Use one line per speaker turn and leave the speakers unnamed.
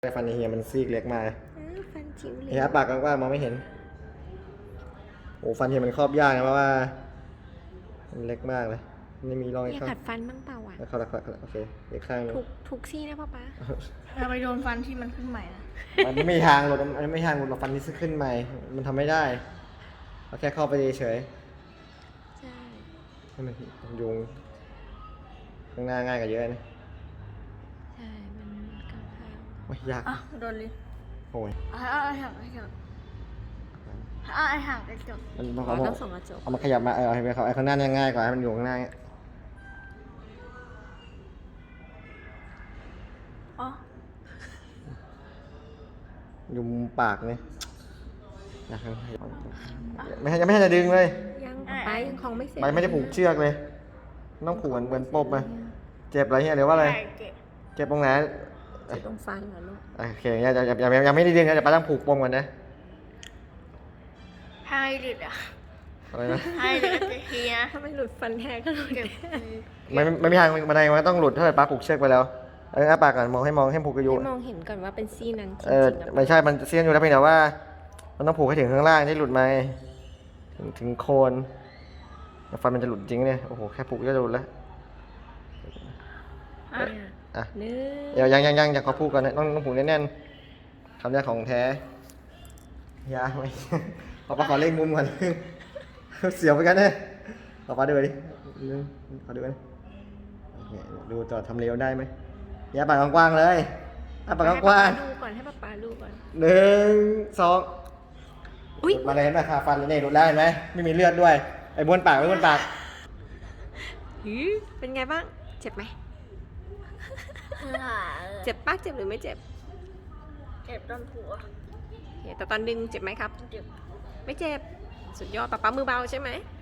แต่ฟันเฮียมันซีกเล็กมาก
ฟันจิ๋วเลย
เฮียปากกว้างๆมองไม่เห็นโอ้ฟันเฮียมันครอบยากนะเพราะว่ามันเล็กมากเลยไม่มีรอย
อยากขัดฟันบ้างเปล่าอ่ะ
เข้าละโอเคอีกข้างนึง
ทุกซี่นะป๊า
เราไปโดนฟันที่มันขึ้นใหม่นะ
มันไม่มีทางหลุดมันไม่มีทางหลุดฟันที่ขึ้นใหม่มันทำไม่ได้เราแค่เข้าไปเฉย
ใช่
ให้มันยุงข้างหน้าง่ายกว่าเยอะนะ
ใช่มันกำลัง
โอ้ยยาก
โดนลิ้น
โอ้ย
ไอ้ห่างไอ้ห่างไอ้ห่างไอ้จบ
มัน
ต้องส่งกระจก
เอามาขยับมาเอาให้เขาไอ้ข้างหน้าง่ายกว่าให้มันอยู่ข้างหน้าอยู่มุมปากเนี่ยอยากไม่ให้จะดึงเลย
ยังป๊ายังคงไม่เสร็จ
ไม่ได้ผูกเชือกเลยต้องผูกเหมือนปมไหมเจ็บอะไรเงี้ยหรือว่าอะไรเจ็บตรงไหน
เจ็บตรงฟันเหรอลูก
โอเคยังไม่ได้ดึงนะจะป้าต้องผูกปมก่อนนะ
ให้หลุดอ่ะ
อะไรนะ
ให้หลุดทีนะ
ถ้าไม่หลุดฟันแท้ก็หลุด
ไม่มีทางบันไดมันต้องหลุดถ้าป้าผูกเชือกไปแล้วอ้าปากก่อนมองให้ผูกกระยุ
มองเห็นก่อนว่าเป็นซี่นั้นจริง
ไม่ใช่มันเสี้ยนอยู่แล้วเพียงแต่ว่ามันต้องผูกให้ถึงข้างล่างที่หลุดมาถึงโคนฟันมันจะหลุดจริงเนี่ยโอ้โหแค่ผูกก็จะหลุดแล้ว
อ่ะ
ยังขอพูดก่อนนะต้องผูกแน่นๆคำนี้ของแท้ยาไหมขอเล่งมุมก่อนเสียวไปกันเนี่ยขอดูดิขอดูกันดูต่อทำเร็วได้ไหมยาปากกว้างๆเลยปากกว้าง
ดูก่อนให้ป๊าดูก่อน
1 2อุ้ยมาเลยเห็นไหมค่ะฟันเนี่ยหลุดแล้วเห็นไหมไม่มีเลือดด้วยไอ้บ้วนปาก
เป็นไงบ้างเจ็บไหมเจ็บปักเจ็บหรือไม่เจ็บ
เจ็บตอนผัว
แต่ตอนดึงเจ็บไหมครับ
เจ็บ
ไม่เจ็บสุดยอดป๊ามือเบาใช่ไหม